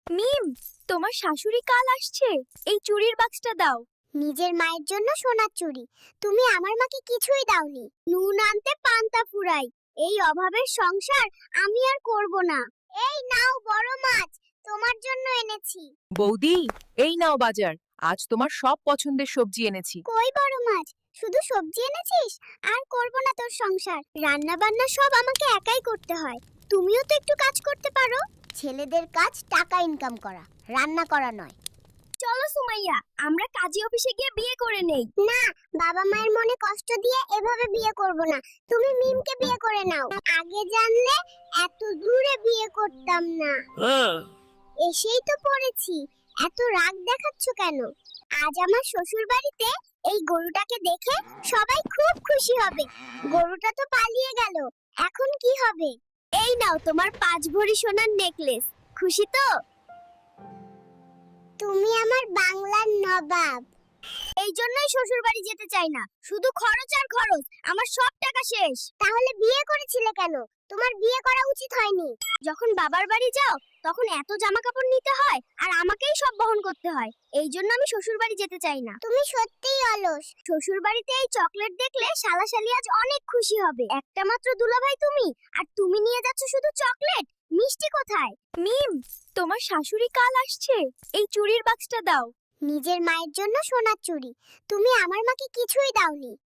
মিম, তোমার শাশুড়ি কাল আসছে। এই চুড়ির বাক্সটা দাও। নিজের মায়ের জন্য সোনার চুড়ি, তুমি আমার মাকে কিছুই দাওনি। নুন আনতে পান্তা ফুরাই, এই অভাবের সংসার আমি আর করব না। এই নাও বড় মাছ, তোমার জন্য এনেছি। বৌদি, এই নাও বাজার। আজ তোমার সব পছন্দের সবজি এনেছি। কই বড় মাছ, শুধু সবজি এনেছিস? আর করব না তোর সংসার, রান্না বান্না সব আমাকে একাই করতে হয়। তুমিও তো একটু কাজ করতে পারো। ছেলেদের কাজ টাকা ইনকাম করা, রান্না করা নয়। চলো সুমাইয়া, আমরা কাজী অফিসে গিয়ে বিয়ে করে নেই। না, বাবা মায়ের মনে কষ্ট দিয়ে এভাবে বিয়ে করব না। তুমি মিমকে বিয়ে করে নাও। আগে জানলে এত দূরে বিয়ে করতাম না। এসেই তো পড়েছি, এত রাগ দেখাচ্ছ কেন? আজ আমার শ্বশুর বাড়িতে এই গরুটাকে দেখে সবাই খুব খুশি হবে। গরুটা তো পালিয়ে গেল, এখন কি হবে? এই নাও তোমার 5 ভরি সোনার নেকলেস। খুশি তো? তুমি আমার বাংলার নবাব। এই জন্যই শ্বশুর বাড়ি যেতে চাই না, শুধু খরচ আর খরচ। আমার সব টাকা শেষ। তাহলে বিয়ে করেছিলে কেন? তোমার বিয়ে করা উচিত হয়নি। যখন বাবার বাড়ি যাও তখন এত জামা কাপড় নিতে হয় আর আমাকেই সব বহন করতে হয়। এই জন্য আমি শ্বশুর বাড়ি যেতে চাই না। তুমি সত্যিই অলস। শ্বশুর বাড়িতে এই চকলেট দেখলে শালাশালি আজ অনেক খুশি হবে। একটা মাত্র দুলাভাই তুমি, আর তুমি নিয়ে যাচ্ছ শুধু চকলেট। মিষ্টি কোথায়? মিম, তোমার শাশুড়ি কাল আসছে। এই চুড়ির বাক্সটা দাও। নিজের মায়ের জন্য সোনার চুড়ি, তুমি আমার মাকে কিছুই দাওনি।